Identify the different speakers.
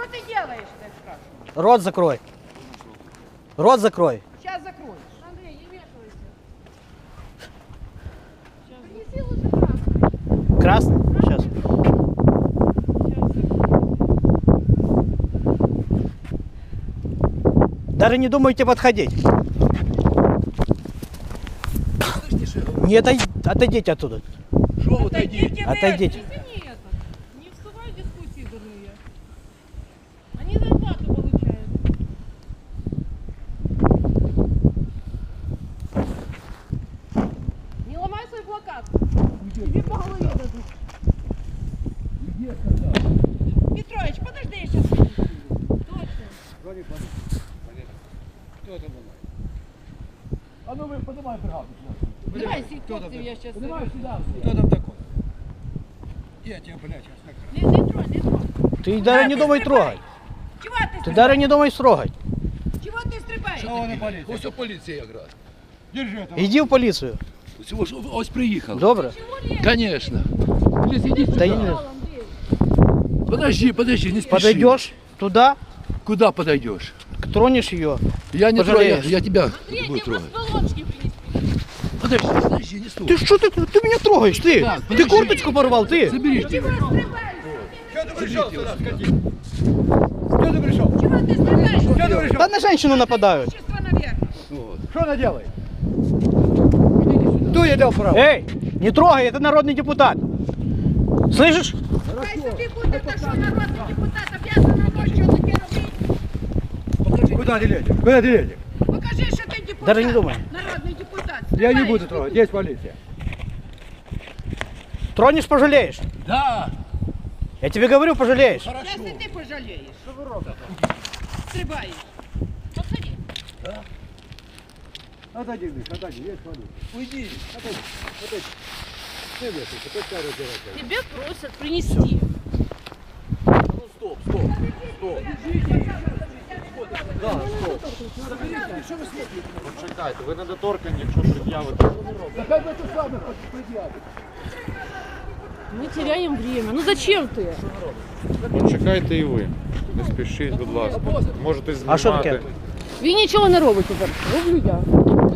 Speaker 1: ты делаешь, я спрашиваю?
Speaker 2: Рот закрой. Рот закрой.
Speaker 1: Сейчас закроешь.
Speaker 3: Андрей, не вмешивайся.
Speaker 1: Принеси лучше красный.
Speaker 2: Красный? Сейчас. Даже не думайте подходить. Не отойдите оттуда.
Speaker 4: Что вы отойдите?
Speaker 2: Отойдите.
Speaker 3: Извини это. Не вступай в дискуссии дурные. Они зарплату получают. Не ломай свой плакат. Тебе по голове дадут.
Speaker 1: Петрович, подожди, я сейчас выйду.
Speaker 3: Точно.
Speaker 4: Кто это был? А ну вы поднимай бригаду.
Speaker 3: Давай, хлопців, я сейчас...
Speaker 4: Поднимай сюда. Кто там такой? Я тебя, блядь, сейчас так.
Speaker 3: Не тронь, не тронь.
Speaker 2: Ты даже не думай трогать.
Speaker 1: Чего ты
Speaker 2: Ты даже не думай трогать.
Speaker 1: Чего ты стрибаешь?
Speaker 4: Что вони поліція? Ось поліція якраз. Держи это.
Speaker 2: Иди в полицию.
Speaker 4: Ось приїхав.
Speaker 2: Добре?
Speaker 4: Конечно. Блин, иди
Speaker 2: Да
Speaker 4: сюда.
Speaker 2: не-
Speaker 4: Подожди, не спеши.
Speaker 2: Подойдешь туда,
Speaker 4: Куда подойдешь?
Speaker 2: тронешь ее.
Speaker 4: Я не трогаю,
Speaker 2: Пожалеешь.
Speaker 4: я тебя
Speaker 3: Андрей,
Speaker 4: буду
Speaker 3: тебе
Speaker 4: трогать.
Speaker 3: полочки принесли.
Speaker 4: Подожди, не стой.
Speaker 2: Ты что ты меня трогаешь? Ты
Speaker 4: подожди.
Speaker 2: курточку порвал, ты.
Speaker 4: Забери.
Speaker 1: Чего стрибаешь?
Speaker 4: Что ты пришел сюда, скотин? Что ты пришел?
Speaker 1: Чего ты стрибаешь?
Speaker 4: Что ты пришел?
Speaker 2: Да на женщину нападают.
Speaker 1: Общество наверх.
Speaker 4: Что она делает? Кто ей дал право?
Speaker 2: Эй, не трогай, это народный депутат. Слышишь?
Speaker 1: Хай собі буде, та що народний депутат обязан робочого таке робити.
Speaker 4: Куда ты лезешь? Куда ты лезешь?
Speaker 1: Покажи, що ти депутат.
Speaker 2: Даже не думай.
Speaker 1: Народний депутат.
Speaker 4: Я не
Speaker 1: Стрибаєш.
Speaker 4: буду трогать, есть полиция.
Speaker 2: Тронешь, пожалеешь.
Speaker 4: Да.
Speaker 2: Я тебе говорю, пожалеешь.
Speaker 1: Якщо ти пожалієш. Що ви робите? Стрибаєш.
Speaker 3: Подходи.
Speaker 4: Отойди, Миш, отойди, есть полиция. Уйди, отойди, отойди. Ты вешайся, пускай разбирайся.
Speaker 3: Тебе просят принести.
Speaker 4: Ну стоп, стоп, стоп. Да, стоп.
Speaker 5: Почекайте, ви недоторкані, якщо пред'явите.
Speaker 4: Да как бы ты сам предъявишь?
Speaker 3: Мы теряем время. Ну зачем ты?
Speaker 5: Почекайте і ви. Не спішіть, будь ласка. Можете знімати.
Speaker 2: А що таке?
Speaker 3: Він нічого не робить тепер. Роблю я.